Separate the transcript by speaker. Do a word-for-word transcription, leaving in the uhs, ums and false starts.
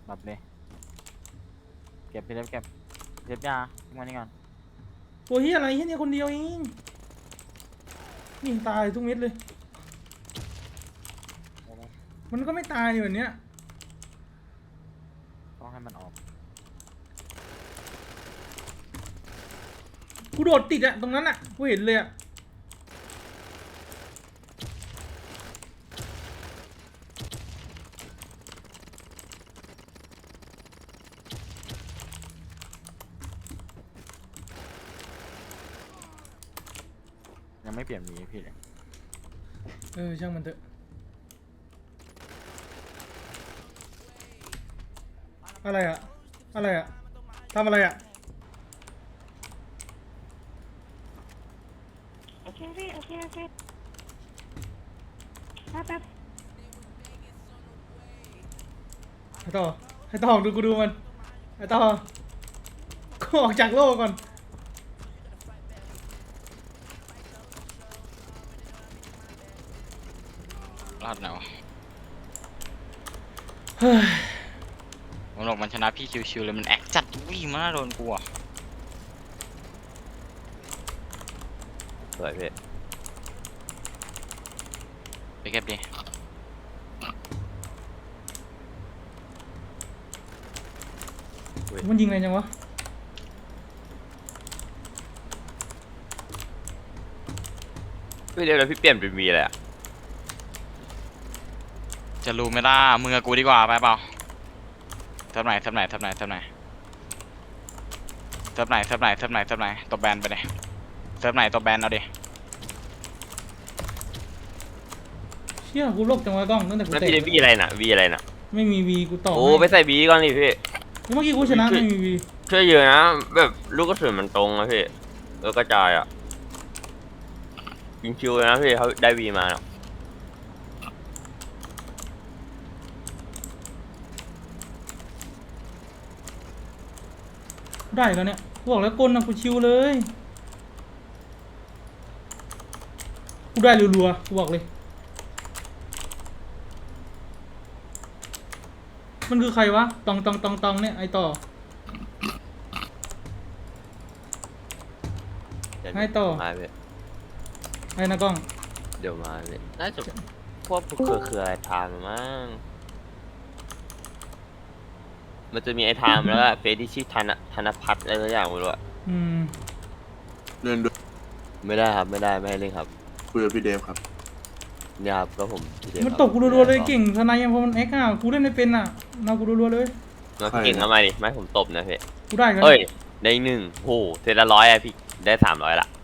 Speaker 1: แบบเลยเก็บพี่เล็บเก็บเล็บยาทิ้งไว้นี่ก่อน
Speaker 2: ตัวเฮียอะไรเฮียเนี่ยคนเดียวเองนี่ตายทุกเม็ดเลยมันก็ไม่ตายแบบเนี้ย
Speaker 1: ต้องให้มันออก
Speaker 2: กูโดดติดอะตรงนั้นอะกูเห็นเลยอะ
Speaker 1: ยังไม่เปลี่ยนมีพี่เลย
Speaker 2: เออช่างมันเถอะอะไรอะอะไรอะทำอะไรอะ
Speaker 3: โอเคพี่โอเคโอเคแป๊บแป๊บ
Speaker 2: ให้ต่อให้ต่อดูกูดูมันให้ต่อกูออกจากโลกก่อน
Speaker 4: รอดแล้ว
Speaker 2: เฮ้ย
Speaker 4: ผมบอกมันชนะพี่ชิวๆเลยมันแอคจัดวิ่งมาโดนกูอ่ะ
Speaker 5: สวยพี่
Speaker 4: ไปเก็บดิ
Speaker 2: มันยิงอะไรจังวะ
Speaker 5: พี่เดี๋ยวแล้วพี่เปลี่ยนเป็นมีอะไรอ่ะ
Speaker 4: จะรู้ไหมล่ะมึงกับกูดีกว่าไปเปล่าเทิร์ฟไหนเทิร์ฟไหนเทิร์ฟไหนเทิร์ฟไหนเทิร์ฟไหนเทิร์ฟไหนเทิร์ฟไหนเทิร์ฟไหนตบแบนไปเลยเทิร์ฟไหนตบแบนเอาดิ
Speaker 2: เชี่ยกูโลกจังวะกล้องตั้งแต่กู
Speaker 5: แล้ว
Speaker 2: เตะ
Speaker 5: พี่ได้วีอะไรน่ะวีอะไรน่ะ
Speaker 2: ไม่มีวีกูต่อ
Speaker 5: โอ้ไปใส่วีก่อนดิพี่
Speaker 2: เมื่อกี้กูชนะไม่มีวี
Speaker 5: ช่วยเยอะนะแบบลูกกระสุนมันตรงนะพี่เออกระจายอ่ะยิงคิวเลยนะพี่เขาได้วีมาเนาะ
Speaker 2: ได้แล้วเนี่ยกูบอกแล้วกลนะกูชิวเลยกูได้รัวๆกูบอกเลยมันคือใครวะตองตองตองตองเนี่ยไอต่อให้ต่อ
Speaker 5: มาพี่
Speaker 2: ไอ้นะกล้อง
Speaker 5: เดี๋ยวมาพี่น่าจะพวกเครือเครือไอทามมั้งมันจะมีไอทามแล้วก็เฟซที่ชื่อธนธนพัฒน์อะไรสักอย่างไม่รู้อะ
Speaker 2: อืม
Speaker 6: เล่นด้วย
Speaker 5: ไม่ได้ครับไม่ได้ไม่ให้เล่นครับ
Speaker 6: คุยกับพี่เดฟครับ
Speaker 5: เนี่ยครับก็ผมพี่เดช
Speaker 2: มัน
Speaker 5: ครับ
Speaker 2: ตกกูรัวๆเลยเก่งทนายยังพอมันแอคอ่ะกูเล่นไม่เป็นอ่ะมากูรัวๆเลย
Speaker 5: มาเก่งทำไมดิไม่ให้ผมตบนะพี่
Speaker 2: กูได้กัน
Speaker 5: เอ้ยได้หนึ่งโหเซตละร้อยอะพี่ได้สามร้อยละ